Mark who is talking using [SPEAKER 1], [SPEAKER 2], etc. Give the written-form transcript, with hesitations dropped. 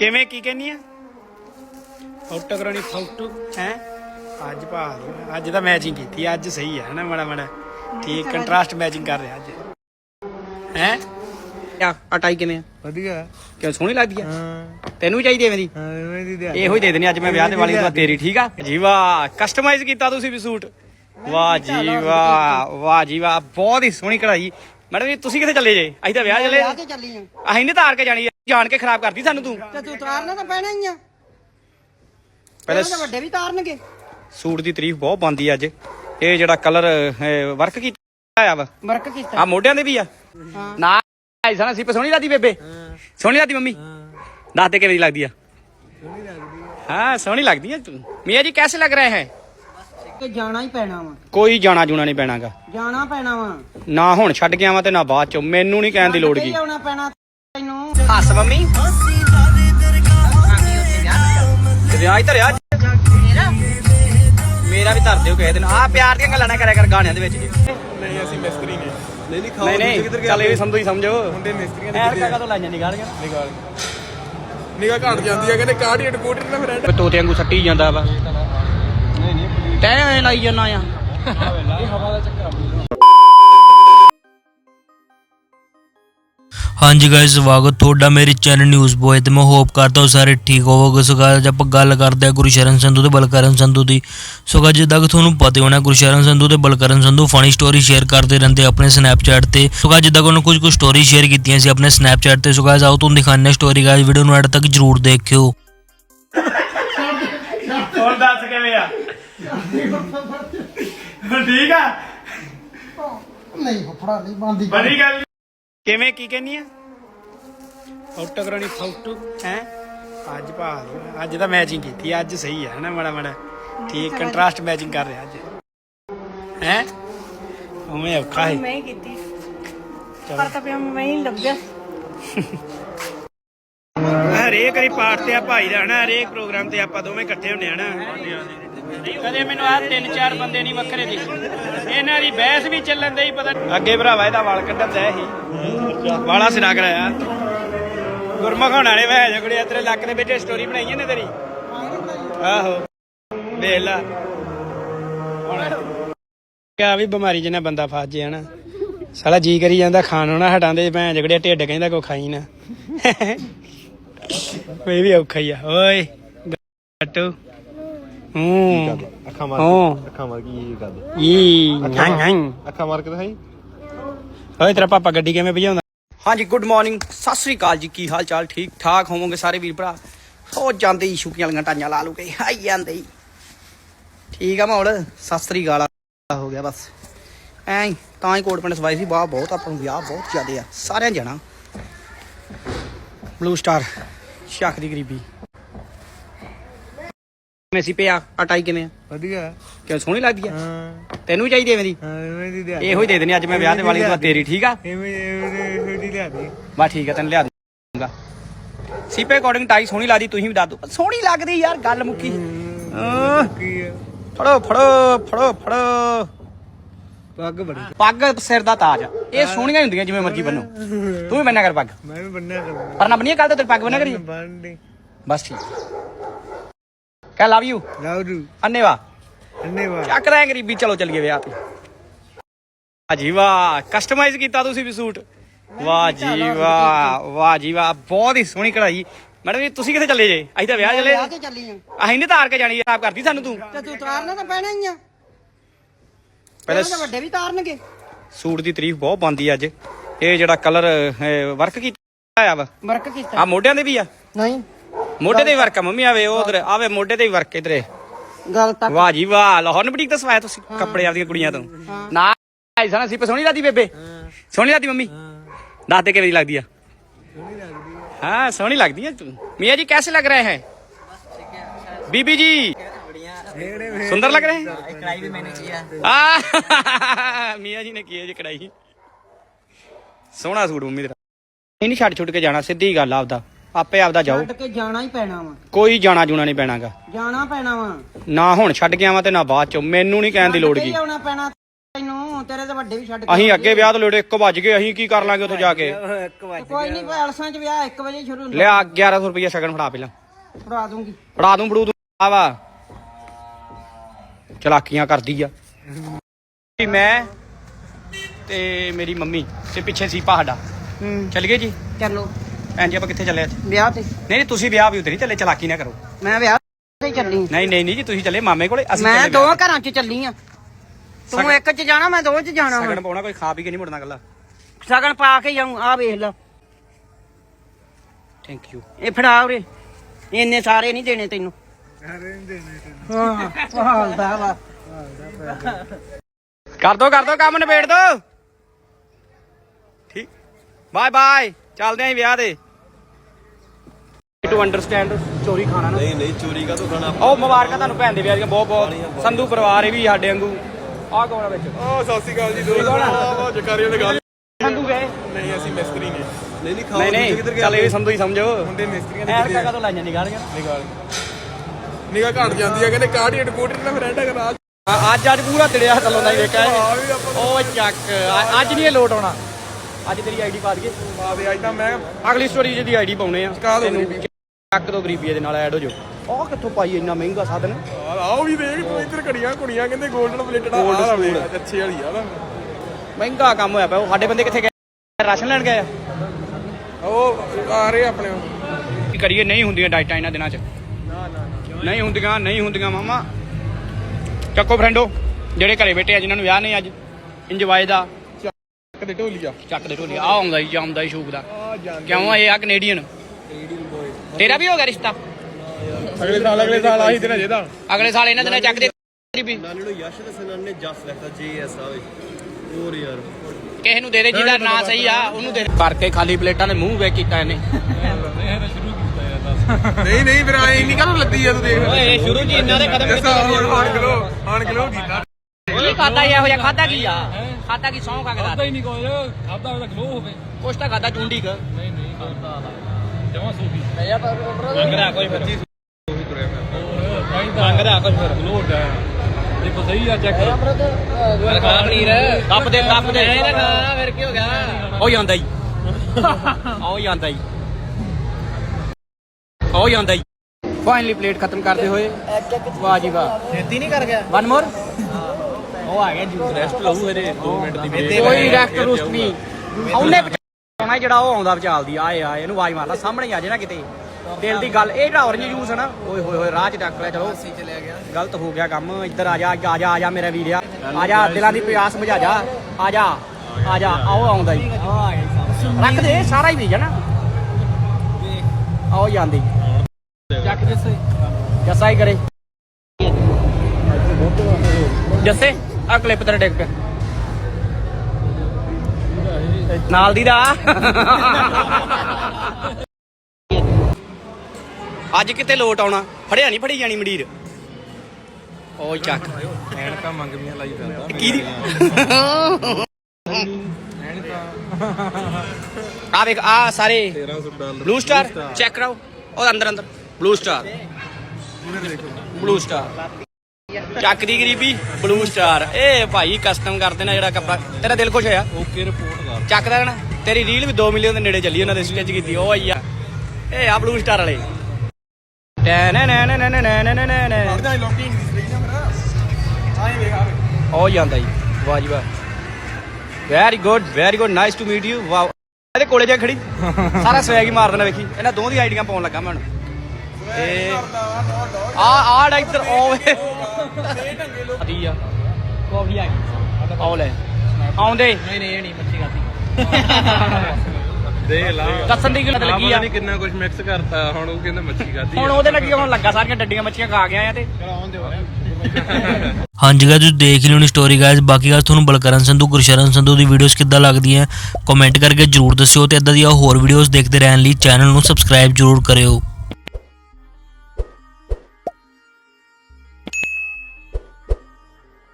[SPEAKER 1] ਕਿਵੇਂ ਕੀ ਕਹਿੰਨੀ ਆ ਫੋਟੋ ਕਰਾਉਣੀ ਫੋਟੋ ਹੈ ਅੱਜ ਅੱਜ ਤਾਂ ਮੈਚਿੰਗ ਕੀਤੀ ਅੱਜ ਸਹੀ ਹੈ ਨਾ ਮਾੜਾ ਮਾੜਾ ਠੀਕ ਕੰਟਰਾਸਟ ਮੈਚਿੰਗ ਕਰ ਰਿਹਾ ਅੱਜ ਹੈ ਅਟਾਈ ਕਿਵੇਂ ਆ
[SPEAKER 2] ਵਧੀਆ
[SPEAKER 1] ਕਿਉਂ ਸੋਹਣੀ ਲੱਗਦੀ ਆ
[SPEAKER 2] ਹਾਂ
[SPEAKER 1] ਤੈਨੂੰ ਵੀ ਚਾਹੀਦੀ ਐ ਮੇਰੀ ਇਹੋ ਹੀ ਦੇ ਦੇਣੀ ਅੱਜ ਮੈਂ ਵਿਆਹ ਦੇ ਵਾਲੀ ਤੋਂ ਤੇਰੀ ਠੀਕ ਆ ਜੀ ਵਾਹ ਕਸਟਮਾਈਜ਼ ਕੀਤਾ ਤੁਸੀਂ ਵੀ ਸੂਟ ਵਾਹ ਜੀ ਵਾਹ ਵਾਹ ਜੀ ਵਾਹ ਬਹੁਤ ਹੀ ਸੋਹਣੀ ਕਢਾਈ ਮੈਡਮ ਜੀ ਤੁਸੀਂ ਕਿੱਥੇ ਚੱਲੇ ਜੇ ਅਸੀਂ ਤਾਂ ਵਿਆਹ ਚੱਲੇ ਅਸੀਂ ਨੇ ਤਾਰ ਕੇ ਜਾਣੀ ਜਾਣ ਕੇ ਖਰਾਬ ਕਰਦੀ ਸਾਨੂੰ ਤੂੰ
[SPEAKER 3] ਤੇ ਤੂੰ ਤਾਰਨਾ ਤਾਂ ਪੈਣਾ ਹੀ ਆ
[SPEAKER 1] ਪਹਿਲੇ
[SPEAKER 3] ਤਾਂ ਵੱਡੇ ਵੀ ਤਾਰਨਗੇ
[SPEAKER 1] ਸੂਟ ਦੀ ਤਾਰੀਫ ਬਹੁਤ ਬਣਦੀ ਅੱਜ ਇਹ ਜਿਹੜਾ ਕਲਰ ਵਰਕ ਕੀਤਾ ਆ ਵਾ
[SPEAKER 3] ਵਰਕ ਕੀਤਾ
[SPEAKER 1] ਆ ਮੋਢਿਆਂ ਦੇ ਵੀ ਆ
[SPEAKER 3] ਹਾਂ
[SPEAKER 1] ਨਾ ਸਾਰਾ ਸਿਪ ਸੋਹਣੀ ਲੱਗਦੀ ਬੇਬੇ ਸੋਹਣੀ ਲੱਗਦੀ ਮੰਮੀ ਦੱਸ ਦੇ ਕਿਵੇਂ ਲੱਗਦੀ ਆ हाँ सोहनी लगती है तू मियाँ जी कैसे लग रहे हैं
[SPEAKER 3] ਕਿ ਜਾਣਾ ਹੀ ਪੈਣਾ ਵਾ
[SPEAKER 1] कोई जाना जूना नहीं पैना गा
[SPEAKER 3] ਜਾਣਾ ਪੈਣਾ ਵਾ
[SPEAKER 1] ना हुण छड्ड के आवां ते ना बाद चो मैनू नहीं कहण दी लोड़ की
[SPEAKER 3] ਆਉਣਾ ਪੈਣਾ ਤੈਨੂੰ
[SPEAKER 1] हस मम्मी ਵਿਆਹ ਧਰਿਆ ਮੇਰਾ ਵੀ ਧਰ ਦਿਓ ਕਿਸੇ ਦਿਨ ਆ ਪਿਆਰ ਦੀਆਂ ਗੱਲਾਂ ਨਾ ਕਰਿਆ ਕਰ ਗਾਣਿਆਂ ਦੇ ਵਿੱਚ ਜੀ
[SPEAKER 2] ਨਹੀਂ ਅਸੀਂ ਮਿਸਤਰੀ ਨੇ ਨਹੀਂ ਖਾਓ
[SPEAKER 1] ਨਹੀਂ ਚੱਲ ਇਹ ਵੀ ਸਮਝੋ ਹੀ ਸਮਝੋ
[SPEAKER 2] ਮੁੰਡੇ ਮਿਸਤਰੀਆਂ
[SPEAKER 1] ਐਰ ਕਾਗਾ ਤੋਂ ਲਾਈਆਂ ਨਿਕਾਲ ਗਿਆ
[SPEAKER 2] ਨਿਗਾਹ ਘਟ ਜਾਂਦੀ ਹੈ ਕਹਿੰਦੇ ਕਾੜੀ ਰਿਪੋਰਟ ਨਾ ਫਿਰ
[SPEAKER 1] ਤੋਤੇ ਵਾਂਗੂ ਸੱਟੀ ਜਾਂਦਾ ਵਾ ਤੈਂ ਲਾਈ ਜਾਂਦਾ ਆ
[SPEAKER 2] ਹਵਾ ਦਾ ਚੱਕਰ
[SPEAKER 4] हाँ जी गाइस स्वागत थोड़ा मेरे चैनल न्यूज़ बॉय तो मैं होप करता हूँ सारे ठीक होवोगे। सो गाइस आप गल करते हैं गुरशरण संधू ते बलकरण संधू की। सो गाइस जिद्दां कि तुहानूं पता होना गुरशरण संधू ते Balkaran Sandhu funny story share करते रहते अपने स्नैपचैट ते। सो गाइस जिद्दां कि उन्होंने कुछ स्टोरी शेयर कीतियां सी अपने स्नैपचैट ते। सो गाइस आओ तुहानूं दिखाने स्टोरी गाइस वीडियो नूं एंड तक जरूर देखियो।
[SPEAKER 1] ਹੋਰ ਦੱਸ ਕਿਵੇਂ ਆ ਠੀਕ ਆ
[SPEAKER 3] ਨਹੀਂ ਫਫੜਾ ਨਹੀਂ ਬੰਦੀ
[SPEAKER 1] ਬੜੀ ਗੱਲ ਕਿਵੇਂ ਕੀ ਕਹਿੰਨੀ ਆ ਫੋਟੋ ਕਰਾਉਣੀ ਫੋਟੋ ਹੈ ਅੱਜ ਤਾਂ ਮੈਚਿੰਗ ਕੀਤੀ ਅੱਜ ਸਹੀ ਹੈ ਨਾ ਮਾੜਾ ਮਾੜਾ ਠੀਕ ਕੰਟਰਾਸਟ ਮੈਚਿੰਗ ਕਰ ਰਿਹਾ ਅੱਜ ਹੈ ਉਵੇਂ ਔਖਾ ਹੈ
[SPEAKER 5] ਮੈਂ ਹੀ ਕੀਤੀ ਪਰ ਤਾਂ ਪਿਆ ਮੈਂ ਹੀ ਲੱਭਿਆ
[SPEAKER 1] ਹਰੇਕ ਵਾਰੀ ਪਾਠ ਤੇ ਆ ਭਾਈ ਦਾ ਹਨਾ ਹਰੇਕ ਪ੍ਰੋਗਰਾਮ ਤੇ ਆਪਾਂ ਦੋਵੇਂ ਇਕੱਠੇ ਹੁੰਦੇ ਹਨਾ ਕਦੇ ਮੈਨੂੰ ਆ 3-4 ਬੰਦੇ ਨਹੀਂ ਵੱਖਰੇ ਦਿਖੇ ਇਹਨਾਂ ਦੀ ਬਹਿਸ ਵੀ ਚੱਲਣ ਦੇ ਹੀ ਪਤਾ ਅੱਗੇ ਭਰਾਵਾ ਇਹਦਾ ਵਾਲ ਕੱਢਣ ਦਾ ਸੀ ਵਾਲਾ ਸਿਰਾ ਕਰਾਇਆ ਗੁਰਮੁਖ ਹੋਣ ਵਾਲੇ ਵਹਿ ਜਗੜੇ ਤੇਰੇ ਲੱਕ ਦੇ ਵਿੱਚ ਸਟੋਰੀ ਬਣਾਈ ਨੇ ਤੇਰੀ ਆਹੋ ਵੇਖ ਲਾ ਹੁਣ ਕਿਆ ਵੀ ਬਿਮਾਰੀ ਜਿਹਨਾਂ ਬੰਦਾ ਫਸ ਜੇ ਹਨਾ ਸਾਲਾ ਜੀ ਕਰੀ ਜਾਂਦਾ ਖਾਣੋਂ ਨਾ ਹਟਾਂਦੇ ਭੈਣ ਜਗੜਿਆ ਢਿੱਡ ਕਹਿੰਦਾ ਕੋਈ ਖਾਈ ਨਾ ਇਹ ਵੀ ਔਖਾ ਹੀ ਆ ਓਏ ਗੱਟੂ
[SPEAKER 2] ਅੱਖਾਂ ਮਾਰ ਕੀ ਇਹ ਗੱਲ ਅੱਖਾਂ ਮਾਰ ਕੇ ਦਿਖਾਈ
[SPEAKER 1] ਓਏ ਤੇਰਾ ਪਾਪਾ ਗੱਡੀ ਕਿਵੇਂ ਭਜਾਉਂਦਾ ਹਾਂਜੀ ਗੁੱਡ ਮਾਰਨਿੰਗ ਸਤਿ ਸ੍ਰੀ ਅਕਾਲ ਜੀ ਕੀ ਹਾਲ ਚਾਲ ਠੀਕ ਠਾਕ ਹੋਵੋਗੇ ਸਾਰੇ ਵੀਰ ਭਰਾ ਹੋ ਜਾਂਦੇ ਹੀ ਸ਼ੁਕੀਆਂ ਵਾਲੀਆਂ ਟਾਈਆਂ ਲਾ ਲੂ ਕੇ ਆਈ ਜਾਂਦੇ ਹੀ ਠੀਕ ਆ ਮਾਹੌਲ ਸਤਿ ਸ੍ਰੀ ਅਕਾਲ ਹੋ ਗਿਆ ਬਸ ਐਂ ਤਾਂ ਹੀ ਕੋਟ ਪੈਂਟ ਸਵਾਈ ਸੀ ਬਾਹ ਬਹੁਤ ਆਪਾਂ ਨੂੰ ਵਿਆਹ ਬਹੁਤ ਜ਼ਿਆਦੇ ਆ ਸਾਰਿਆਂ ਜਾਣਾ ਬਲੂ ਸਟਾਰ ਸ਼ੱਕ ਦੀ ਗਰੀਬੀ ਕਿਵੇਂ ਸੀ ਪਿਆ ਅਟਾਈ ਕਿਵੇਂ ਆ
[SPEAKER 2] ਵਧੀਆ
[SPEAKER 1] ਕਿਉਂ ਸੋਹਣੀ ਲੱਗਦੀ ਆ
[SPEAKER 2] ਹਾਂ
[SPEAKER 1] ਤੈਨੂੰ ਵੀ ਚਾਹੀਦੀ ਐ ਮੇਰੀ ਇਹੋ ਹੀ ਦੇ ਦੇਣੀ ਅੱਜ ਮੈਂ ਵਿਆਹ ਦੇ ਵਾਲੀ ਤੋਂ ਤੇਰੀ ਠੀਕ ਆ ਬਸ ਠੀਕ ਆ ਤੈਨੂੰ ਲਿਆ ਦੂੰਗਾ ਸੀਪੇ ਅਕੋਰਡਿੰਗ ਟਾਈ ਸੋਹਣੀ ਲੱਗਦੀ ਤੁਸੀਂ ਵੀ ਦੱਸ ਦੋ ਸੋਹਣੀ ਲੱਗਦੀ ਯਾਰ ਗੱਲ ਮੁੱਕੀ ਫੜੋ ਫੜੋ ਫੜੋ ਫੜੋ ਪੱਗ ਸਿਰ ਦਾ ਤਾਜ ਇਹ ਸੋਹਣੀਆਂ ਹੁੰਦੀਆਂ ਜਿਵੇਂ ਮਰਜ਼ੀ ਬੰਨੋ ਤੂੰ ਵੀ ਬੰਨਿਆ ਕਰ ਪੱਗ
[SPEAKER 2] ਮੈਂ ਵੀ ਬੰਨਿਆ ਕਰ
[SPEAKER 1] ਪਰ ਨਾ ਬੰਨੀਏ ਕੱਲ ਤਾਂ ਤੇਰੀ ਪੱਗ ਬੰਨਿਆ ਕਰੀ
[SPEAKER 2] ਬੰਨ
[SPEAKER 1] ਬਸ ਠੀਕ ਕਹ ਲਵ ਯੂ
[SPEAKER 2] ਲਾਉਰੂ
[SPEAKER 1] ਅੰਨੇਵਾ
[SPEAKER 2] ਧੰਨਵਾਦ
[SPEAKER 1] ਚੱਕ ਰਹੇ ਗਰੀਬੀ ਚਲੋ ਚੱਲੀਏ ਵਿਆਹ ਤੇ ਜੀ ਵਾਹ ਕਸਟਮਾਈਜ਼ ਕੀਤਾ ਤੁਸੀਂ ਵੀ ਸੂਟ ਵਾਹ ਜੀ ਵਾਹ ਵਾਹ ਜੀ ਵਾਹ ਬਹੁਤ ਹੀ ਸੋਹਣੀ ਕਢਾਈ ਮੈਡਮ ਜੀ ਤੁਸੀਂ ਕਿੱਥੇ ਚੱਲੇ ਜੇ ਅਸੀਂ ਤਾਂ ਵਿਆਹ ਚੱਲੇ
[SPEAKER 3] ਵਿਆਹ ਤੇ ਚੱਲੀ ਆ
[SPEAKER 1] ਅਸੀਂ ਨੇ ਤਾਰ ਕੇ ਜਾਣੀ ਖਰਾਬ ਕਰਦੀ ਸਾਨੂੰ ਤੂੰ
[SPEAKER 3] ਤੇ ਤੂੰ ਤਾਰਨਾ ਤਾਂ ਪੈਣਾ ਹੀ ਆ
[SPEAKER 1] ਪਹਿਲੇ
[SPEAKER 3] ਤਾਂ ਵੱਡੇ ਵੀ ਤਾਰਨਗੇ
[SPEAKER 1] ਸੂਟ ਦੀ ਤਾਰੀਫ ਬਹੁਤ ਬਣਦੀ ਅੱਜ ਇਹ ਜਿਹੜਾ ਕਲਰ ਵਰਕ ਕੀਤਾ ਆ ਵਾ
[SPEAKER 3] ਵਰਕ ਕੀਤਾ
[SPEAKER 1] ਆ ਮੋਢਿਆਂ ਦੇ ਵੀ ਆ
[SPEAKER 3] ਨਹੀਂ
[SPEAKER 1] ਮੋਢੇ ਤੇ ਵੀ ਵਰਕ ਆ ਮੰਮੀ ਆਵੇ ਉਧਰ ਆਵੇ ਮੋਢੇ ਤੇ ਵੀ ਵਰਕ ਇਧਰੇ
[SPEAKER 3] ਗੱਲ ਤੱਕ
[SPEAKER 1] ਵਾਹ ਜੀ ਵਾਹ ਲਾਹੌਰ ਬੁਟੀਕ ਤੋਂ ਸਵਾਇਆ ਤੁਸੀਂ ਕੱਪੜੇ ਆਪਦੀਆਂ ਕੁੜੀਆਂ ਤੋਂ ਨਾ ਸਾਰਾ ਸਿਪ ਸੋਹਣੀ ਲੱਗਦੀ ਬੇਬੇ ਸੋਹਣੀ ਲੱਗਦੀ ਮੰਮੀ ਦੱਸ ਦੇ ਕਿਵੇਂ ਲੱਗਦੀ ਆ हाँ सोहनी लगती है मियाँ जी कैसे लग रहे हैं बीबी जी सुंदर लग रहे हैं
[SPEAKER 3] ਕੜਾਈ ਵੀ ਮੈਨੇ ਕੀਆ
[SPEAKER 1] मियाँ जी ने की है जी कढ़ाई सोहना सूट मम्मी तेरा नहीं छड़ छुट के जाना सीधी गल आपदा आपे आपदा जाओ
[SPEAKER 3] ਛੱਡ ਕੇ ਜਾਣਾ ਹੀ ਪੈਣਾ ਵਾ
[SPEAKER 1] कोई जाना जूना नहीं पैना गा
[SPEAKER 3] ਜਾਣਾ ਪੈਣਾ ਵਾ
[SPEAKER 1] ना हुण छड्ड के आवां ते ना बाद चो मैनू नहीं कहण दी लोड़ की
[SPEAKER 3] ਆਉਣਾ ਪੈਣਾ ਤੈਨੂੰ ਹੁਣ ਤੇਰੇ ਤੇ ਵੱਡੇ ਵੀ ਛੱਡ
[SPEAKER 1] ਅਸੀਂ ਅੱਗੇ ਵਿਆਹ ਤੋਂ ਲੇਟ 1 ਵਜ ਗਏ, ਅਸੀਂ ਕੀ ਕਰ ਲਾਂਗੇ ਉੱਥੇ ਜਾ ਕੇ?
[SPEAKER 3] ਕੋਈ ਨਹੀਂ ਪੈਲਸਾਂ 'ਚ ਵਿਆਹ 1 ਵਜੇ ਸ਼ੁਰੂ ਹੁੰਦਾ।
[SPEAKER 1] ਲਿਆ 1100 ਰੁਪਇਆ ਸ਼ਗਨ ਫੜਾ ਪਹਿਲਾਂ।
[SPEAKER 3] ਫੜਾ ਦੂੰਗੀ।
[SPEAKER 1] ਫੜਾ ਦੂੰ ਬੜੂ ਆ ਵਾ ਚਲਾਕੀਆਂ ਕਰਦੀ ਆ। ਮੈਂ ਤੇ ਮੇਰੀ ਮੰਮੀ ਤੇ ਪਿੱਛੇ ਸੀਪਾ ਸਾਡਾ ਚੱਲ ਗਏ ਜੀ।
[SPEAKER 3] ਚਲੋ
[SPEAKER 1] ਭੈਣ ਜੀ ਆਪਾਂ ਕਿੱਥੇ ਚੱਲੇ ਅੱਜ?
[SPEAKER 3] ਵਿਆਹ ਤੇ।
[SPEAKER 1] ਨਹੀਂ ਤੁਸੀਂ ਵਿਆਹ ਵੀ ਉਤੇ ਨਹੀਂ ਚੱਲੇ, ਚਲਾਕੀ ਨਾ ਕਰੋ।
[SPEAKER 3] ਮੈਂ ਵਿਆਹ ਤੇ ਚੱਲੀ।
[SPEAKER 1] ਨਹੀਂ ਜੀ ਤੁਸੀਂ ਚੱਲੇ ਮਾਮੇ ਕੋਲੇ, ਅਸੀਂ
[SPEAKER 3] ਮੈਂ
[SPEAKER 1] ਚੱਲੇ
[SPEAKER 3] ਦੋ
[SPEAKER 1] ਵਿਆਹ।
[SPEAKER 3] ਘਰਾਂ 'ਚ ਚੱਲੀ ਆ। ਤੂੰ ਇੱਕ 'ਚ ਜਾਣਾ, ਮੈਂ ਦੋ 'ਚ ਜਾਣਾ।
[SPEAKER 1] ਸ਼ਗਨ ਪਾਉਣਾ, ਕੋਈ ਖਾ ਪੀ ਕੇ ਨਹੀਂ ਮੁੜਨਾ ਕੱਲਾ।
[SPEAKER 3] ਸ਼ਗਨ ਪਾ ਕੇ ਜਾਊਂ। ਆ ਵੇਖ ਲੈ।
[SPEAKER 1] Thank you.
[SPEAKER 3] ਇਹ ਫੜਾ ਉਰੇ। ਇੰਨੇ ਸਾਰੇ ਨਹੀਂ ਦੇਣੇ ਤੈਨੂੰ। ਹਾਂ ਹਾਲਦਾ ਵਾ।
[SPEAKER 1] ਕਰ ਦੋ ਕੰਮ ਨਿਬੇੜ ਦੋ। ਠੀਕ ਬਾਏ ਬਾਏ, ਚੱਲਦੇ ਆਂ ਵਿਆਹ ਦੇ। ਟੂ ਅੰਡਰਸਟੈਂਡ ਚੋਰੀ ਖਾਣਾ ਨਾ।
[SPEAKER 2] ਨਹੀਂ ਚੋਰੀ ਕਾ ਤੋਂ ਖਾਣਾ।
[SPEAKER 1] ਉਹ ਮੁਬਾਰਕਾਂ ਤੁਹਾਨੂੰ ਭੈਣ ਦੇ ਵਿਆਹ ਦੀਆਂ ਬਹੁਤ ਬਹੁਤ। ਸੰਧੂ ਪਰਿਵਾਰ ਇਹ ਵੀ ਸਾਡੇ ਵਾਂਗੂ। ਆਹ ਕੌਣ ਆ ਵਿੱਚ?
[SPEAKER 2] ਓ ਸਤਿ ਸ਼੍ਰੀ ਅਕਾਲ ਜੀ ਦੋਸਤੋ। ਜਕਾਰੀਆਂ ਦੀ ਗੱਲ
[SPEAKER 1] ਸੰਧੂ ਗਏ?
[SPEAKER 2] ਨਹੀਂ ਅਸੀਂ ਮਿਸਤਰੀ ਨੇ। ਨਹੀਂ ਖਾਓ
[SPEAKER 1] ਨਹੀਂ ਚੱਲ ਇਹ ਵੀ ਸੰਧੂ ਹੀ ਸਮਝੋ।
[SPEAKER 2] ਹੁੰਦੇ ਮਿਸਤਰੀਆਂ ਦੇ
[SPEAKER 1] ਐਰ ਕਾ ਤੋਂ ਲਾਈਆਂ ਨਿਗਾਲੀਆਂ।
[SPEAKER 2] ਨਿਗਾਹ ਘਟ ਜਾਂਦੀ ਆ, ਕਹਿੰਦੇ ਕਾਰਡੀਅਟ ਕੋਟਰ ਨਾਲ ਫਿਰ ਐਂਡਾ ਕਰਾ।
[SPEAKER 1] ਅੱਜ ਪੂਰਾ ਤੜਿਆ ਥੱਲੋਂ ਦਾ ਹੀ ਵੇਖਿਆ ਉਹ ਚੱਕ। ਅੱਜ ਨਹੀਂ ਇਹ ਲੋਟ ਆਉਣਾ। ਅੱਜ ਤੇਰੀ ਆਈਡੀ ਪਾ ਦਈਏ।
[SPEAKER 2] ਪਾ ਦੇ ਅੱਜ ਤਾਂ ਮੈਂ
[SPEAKER 1] ਅਗਲੀ ਸਟੋਰੀ ਜਿਹਦੀ ਆਈਡੀ ਪਾਉਣੇ ਆ।
[SPEAKER 2] ਚੁਕਾ ਦਿਓ ਗਰੀਬੀ।
[SPEAKER 1] ਚੱਕ ਦੋ ਗਰੀਬੀ ਦੇ ਨਾਲ ਐਡ ਹੋ ਜਾਓ। ਉਹ ਕਿੱਥੋਂ ਪਾਈ ਇੰਨਾ ਮਹਿੰਗਾ ਸਾਧਨ?
[SPEAKER 2] ਆਓ ਵੀ ਦੇਖ ਤੂੰ ਇੱਧਰ ਘੜੀਆਂ ਕੁੜੀਆਂ ਕਹਿੰਦੇ 골ਡਨ ਪਲੇਟਡ ਆ ਅੱਛੀ ਵਾਲੀ ਆ ਨਾ।
[SPEAKER 1] ਮਹਿੰਗਾ ਕੰਮ ਹੋਇਆ ਪਿਆ। ਉਹ ਸਾਡੇ ਬੰਦੇ ਕਿੱਥੇ ਗਏ? ਰਾਸ਼ਨ ਲੈਣ ਗਏ ਆ।
[SPEAKER 2] ਉਹ ਆ ਰਹੇ ਆਪਣੇ
[SPEAKER 1] ਕੀ ਕਰੀਏ, ਨਹੀਂ ਹੁੰਦੀਆਂ ਡਾਈਟਾਂ ਇਹਨਾਂ ਦਿਨਾਂ 'ਚ। ਨਹੀਂ ਹੁੰਦੀਆਂ ਮਾਮਾ। ਚੱਕੋ ਫਰੈਂਡੋ ਜਿਹੜੇ ਘਰੇ ਬੈਠੇ ਆ, ਜਿਨ੍ਹਾਂ ਨੂੰ ਵਿਆਹ ਨਹੀਂ ਅੱਜ, ਇੰਜੋਏ ਦਾ।
[SPEAKER 2] ਚੱਕ ਦੇ ਢੋਲੀਆ।
[SPEAKER 1] ਚੱਕ ਦੇ ਢੋਲੀ। ਆ ਆਉਂਦਾ ਹੀ ਜਾਂਦਾ ਹੀ ਸ਼ੂਕ ਦਾ। ਕਿਉਂ ਆ ਇਹ ਆ ਕੈਨੇਡੀਅਨ? ਤੇਰਾ ਵੀ ਹੋ ਗਿਆ ਰਿਸ਼ਤਾ?
[SPEAKER 2] ਅਗਲੇ ਸਾਲ ਆਹੀ ਦਿਨ ਜਿਹਦਾ
[SPEAKER 1] ਅਗਲੇ ਸਾਲ ਇਹਨਾਂ ਦਿਨਾਂ ਚੱਕ ਦੇ ਵੀ।
[SPEAKER 2] ਨਾਲੇ ਨੂੰ ਯਸ਼ ਦੇ ਸਨਨ ਨੇ ਜਸ ਲਿਖਤਾ ਜੀਐਸ ਆਵੇ। ਹੋਰ ਯਾਰ
[SPEAKER 1] ਕਿਸੇ ਨੂੰ ਦੇ ਦੇ ਜਿਹਦਾ ਨਾਂ ਸਹੀ ਆ ਉਹਨੂੰ ਦੇ। ਕਰਕੇ ਖਾਲੀ ਪਲੇਟਾਂ ਦੇ ਮੂੰਹ ਵੇ ਕੀਤਾ ਇਹਨੇ।
[SPEAKER 2] ਨਹੀਂ ਫਿਰ ਆਏ ਇੰਨੀ ਕਾਹਨੂੰ ਲੱਦੀ ਆ ਤੂੰ ਦੇਖ।
[SPEAKER 1] ਓਏ ਸ਼ੁਰੂ ਜੀ ਇਹਨਾਂ ਦੇ ਕਦਮ
[SPEAKER 2] ਆਣ ਕਿਲੋ ਕੀਤਾ।
[SPEAKER 1] ਕੀ ਖਾਦਾ ਇਹੋ ਜਿਹਾ? ਖਾਦਾ ਕੀ ਆ? ਖਾਦਾ ਕੀ ਸੌਂ ਕਾ
[SPEAKER 6] ਖਾਦਾ ਹੀ ਨਹੀਂ ਕੁਝ। ਖਾਦਾ ਹੋਵੇ ਤਾਂ ਗਲੋ ਹੋਵੇ।
[SPEAKER 1] ਕੁਛ ਤਾਂ ਖਾਦਾ ਚੁੰਡੀ ਕ।
[SPEAKER 6] ਨਹੀਂ ਖਾਦਾ ਜਮਾ ਸੂਫੀ
[SPEAKER 1] ਮੰਗਦਾ ਕੋਈ ਫਿਰ।
[SPEAKER 6] ਮੰਗਦਾ ਕੁਝ ਫਿਰ ਗਲੋ ਹੋ ਗਿਆ। ਦੇਖੋ ਸਹੀ ਆ ਚੈੱਕ ਕਰੋ।
[SPEAKER 1] ਖਾ ਪਨੀਰ ਕੱਪ ਦੇ ਇਹ ਨਾ ਫਿਰ ਕੀ ਹੋ ਗਿਆ? ਉਹ ਜਾਂਦਾ ਹੀ ਫਾਈਨਲੀ ਪਲੇਟ ਖਤਮ ਕਰਦੇ ਹੋਏ। ਵਾਹ ਜੀ ਵਾਹ, ਛੇਤੀ ਨਹੀਂ ਕਰ ਗਿਆ। One more. ਉਹ ਆ ਗਿਆ ਜੂਸ।
[SPEAKER 6] ਰੈਸਟ ਲਊ ਇਹਦੇ 2 ਮਿੰਟ ਦੀ।
[SPEAKER 1] ਕੋਈ ਰੈਸਟ ਰੁਸਟ ਨਹੀਂ। ਉਹਨੇ ਆਉਣਾ ਜਿਹੜਾ ਉਹ ਆਉਂਦਾ ਵਿਚਾਲਦੀ। ਆਏ ਇਹਨੂੰ ਆਵਾਜ਼ ਮਾਰ ਲਾ, ਸਾਹਮਣੇ ਆ ਜੇ ਨਾ ਕਿਤੇ। ਦਿਲ ਦੀ ਗੱਲ। ਇਹ ਜਿਹੜਾ ਔਰੰਜ ਜੂਸ ਹੈ ਨਾ, ਓਏ ਹੋਏ ਰਾਹ 'ਚ ਡੱਕ ਲਿਆ। ਚਲੋ ਗਲਤ ਹੋ ਗਿਆ ਕੰਮ। ਇੱਧਰ ਆ ਜਾ ਮੇਰਾ ਵੀਰਿਆ। ਆ ਜਾ, ਦਿਲਾਂ ਦੀ ਪਿਆਸ ਬੁਝਾ ਜਾ। ਆ ਜਾ ਆਓ ਆਉਂਦਾ ਹੀ। ਰੱਖ ਦੇ ਸਾਰਾ ਹੀ ਵੀ ਨਾ। ਆਓ ਜਾਂਦੀ
[SPEAKER 6] ਚੱਕ ਜੱਸੇ
[SPEAKER 1] ਜੱਸਾ ਹੀ ਕਰੇ। ਜੱਸੇ ਆ ਕਲਿੱਪ ਤੇਰਾ ਡਿੱਗ ਪਿਆ ਨਾਲ ਦੀ ਦਾ। ਅੱਜ ਕਿਤੇ ਲੋਟ ਆਉਣਾ। ਫੜਿਆ ਨਹੀਂ ਫੜੀ ਜਾਣੀ ਮੰਡੀਰ। ਓਏ ਚੱਕ
[SPEAKER 2] ਐਨਕਾਂ ਮੰਗਵੀਆਂ ਲਾਈ ਫਿਰਦਾ।
[SPEAKER 1] ਕੀ ਦੀ ਆ ਵੇਖ ਆ ਸਾਰੇ
[SPEAKER 2] $1300
[SPEAKER 1] ਬਲੂ ਸਟਾਰ ਚੈੱਕ ਕਰਾਓ। ਉਹ ਅੰਦਰ ਬਲੂ ਸਟਾਰ ਚੱਕ ਦੀ ਗਰੀਬੀ ਬਲੂ ਸਟਾਰ। ਇਹ ਭਾਈ ਕਸਟਮ ਕਰਦੇ ਨੇ ਜਿਹੜਾ ਕੱਪੜਾ। ਤੇਰਾ ਦਿਲ ਖੁਸ਼ ਹੋਇਆ?
[SPEAKER 2] ਓਕੇ ਰਿਪੋਰਟ ਕਰ।
[SPEAKER 1] ਚੱਕਦਾ ਨਾ ਤੇਰੀ ਰੀਲ ਵੀ 2 ਮਿਲੀਅਨ ਦੇ ਨੇੜੇ ਚੱਲੀ ਉਹਨਾਂ ਦੇ ਸਟਿਚ ਕੀਤੀ। ਉਹ ਆਈ ਆ ਇਹ ਆ ਬਲੂ ਸਟਾਰ ਵਾਲੇ। ਉਹ ਜਾਂਦਾ ਜੀ। ਵਾਹ ਜੀ ਵਾਹ, very good nice to meet you. Wow ਇਹਦੇ ਕੋਲੇ ਜਾ ਖੜੀ ਸਾਰਾ ਸਵੈਗ ਹੀ ਮਾਰ ਦੇਣਾ। ਵੇਖੀ ਇਹਨਾਂ ਦੋਵਾਂ ਦੀ ਆਈਡੀਆਂ ਪਾਉਣ ਲੱਗਾ ਮੈਂ ਹੁਣ। ਤੇ ਆ ਇੱਧਰ ਓਏ ਆਦੀ ਆ ਕਾਫੀ ਆ ਗਈ। ਆਉ ਲੈ ਆਉਂਦੇ। ਨਹੀਂ ਮੱਛੀ ਖਾਦੀ।
[SPEAKER 2] ਦੇਖ ਲਾ
[SPEAKER 1] ਦੱਸਣ ਦੀ ਗੱਲ ਲੱਗੀ ਆ।
[SPEAKER 2] ਕਿੰਨਾ ਕੁਝ ਮਿਕਸ ਕਰਤਾ। ਹੁਣ ਉਹ ਕਹਿੰਦਾ ਮੱਛੀ ਖਾਦੀ।
[SPEAKER 1] ਹੁਣ ਉਹਦੇ ਲੱਗੀ ਹੁਣ ਲੱਗਾ ਸਾਰੀਆਂ ਡੱਡੀਆਂ ਮੱਛੀਆਂ ਖਾ ਗਿਆ ਆ। ਤੇ
[SPEAKER 4] ਹਾਂਜੀ ਗਾਇਸ ਤੁਸੀਂ ਦੇਖ ਲਿਓ ਨੀ ਸਟੋਰੀ ਗਾਇਸ। ਬਾਕੀ ਗੱਲ ਤੁਹਾਨੂੰ ਬਲਕਰਨ ਸੰਧੂ ਗੁਰਸ਼ਰਨ ਸੰਧੂ ਦੀ ਵੀਡੀਓਜ਼ ਕਿੱਦਾਂ ਲੱਗਦੀਆਂ ਕਮੈਂਟ ਕਰਕੇ ਜਰੂਰ ਦੱਸਿਓ। ਤੇ ਇਦਾਂ ਦੀਆਂ ਹੋਰ ਵੀਡੀਓਜ਼ ਦੇਖਦੇ ਰਹਿਣ ਲਈ ਚੈਨਲ ਨੂੰ ਸਬਸਕ੍ਰਾਈਬ ਜਰੂਰ ਕਰਿਓ।